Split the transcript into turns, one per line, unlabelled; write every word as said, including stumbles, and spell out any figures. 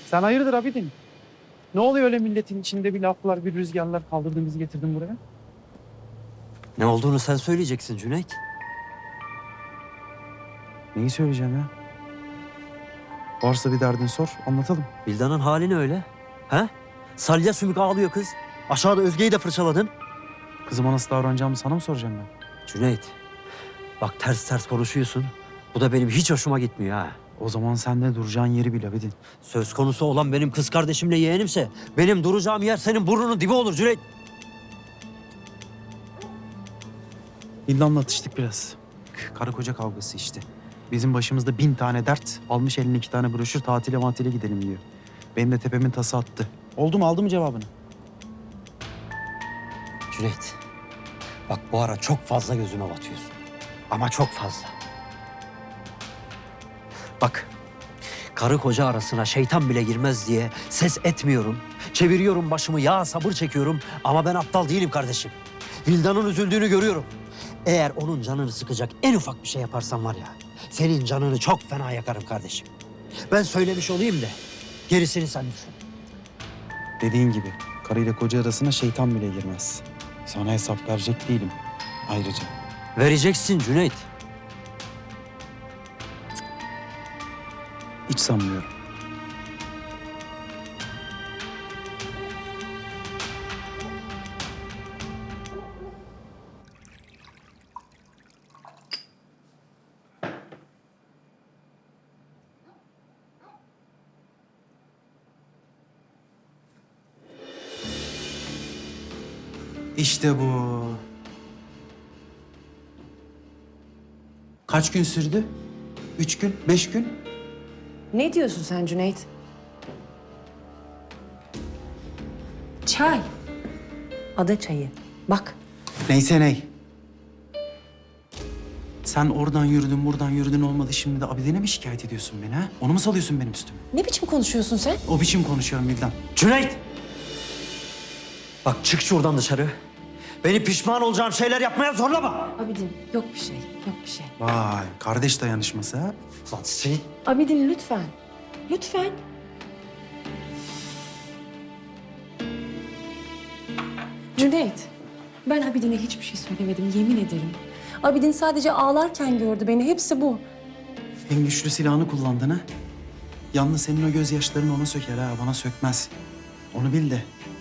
Sen hayırdır Abidin? Ne oluyor öyle milletin içinde bir laflar, bir rüzgarlar kaldırdın bizi getirdin buraya?
Ne olduğunu sen söyleyeceksin Cüneyt.
Neyi söyleyeceğim ya? Varsa bir derdin sor, anlatalım.
Vildan'ın hali ne öyle? He? Salya sümük ağlıyor kız. Aşağıda Özge'yi de fırçaladın.
Kızıma nasıl davranacağımı sana mı soracağım ben?
Cüneyt, bak ters ters konuşuyorsun. Bu da benim hiç hoşuma gitmiyor ha.
O zaman sen de duracağın yeri bil Abidin.
Söz konusu olan benim kız kardeşimle yeğenimse benim duracağım yer senin burnunun dibi olur Cüneyt.
Vildan'la atıştık biraz. Karı koca kavgası işte. Bizim başımızda bin tane dert. Almış eline iki tane broşür tatile matile gidelim diyor. Benim de tepemin tası attı. Oldu mu aldı mı cevabını?
Cüneyt, bak bu ara çok fazla gözüme batıyorsun. Ama çok fazla. Bak, karı koca arasına şeytan bile girmez diye ses etmiyorum. Çeviriyorum başımı, ya sabır çekiyorum. Ama ben aptal değilim kardeşim. Vildan'ın üzüldüğünü görüyorum. Eğer onun canını sıkacak en ufak bir şey yaparsan var ya, senin canını çok fena yakarım kardeşim. Ben söylemiş olayım da gerisini sen düşün.
Dediğin gibi karıyla koca arasına şeytan bile girmez. Sana hesap verecek değilim ayrıca.
Vereceksin Cüneyt.
Hiç sanmıyorum. İşte bu. Kaç gün sürdü? Üç gün, beş gün?
Ne diyorsun sen Cüneyt? Çay. Ada çayı. Bak.
Neyse ney. Sen oradan yürüdün, buradan yürüdün olmadı. Şimdi de Abidin'e mi şikayet ediyorsun beni ha? Onu mu salıyorsun benim üstüme?
Ne biçim konuşuyorsun sen?
O biçim konuşuyorum Vildan.
Cüneyt! Bak çık şuradan dışarı. Beni pişman olacağım şeyler yapmaya zorlama.
Abidin yok bir şey, yok bir şey.
Vay, kardeş dayanışması ha?
Lan sen...
Abidin lütfen. Lütfen. Cüneyt, ben Abidin'e hiçbir şey söylemedim, yemin ederim. Abidin sadece ağlarken gördü beni, hepsi bu.
En güçlü silahını kullandın ha? Yalnız senin o gözyaşların ona söker ha, bana sökmez. Onu bil de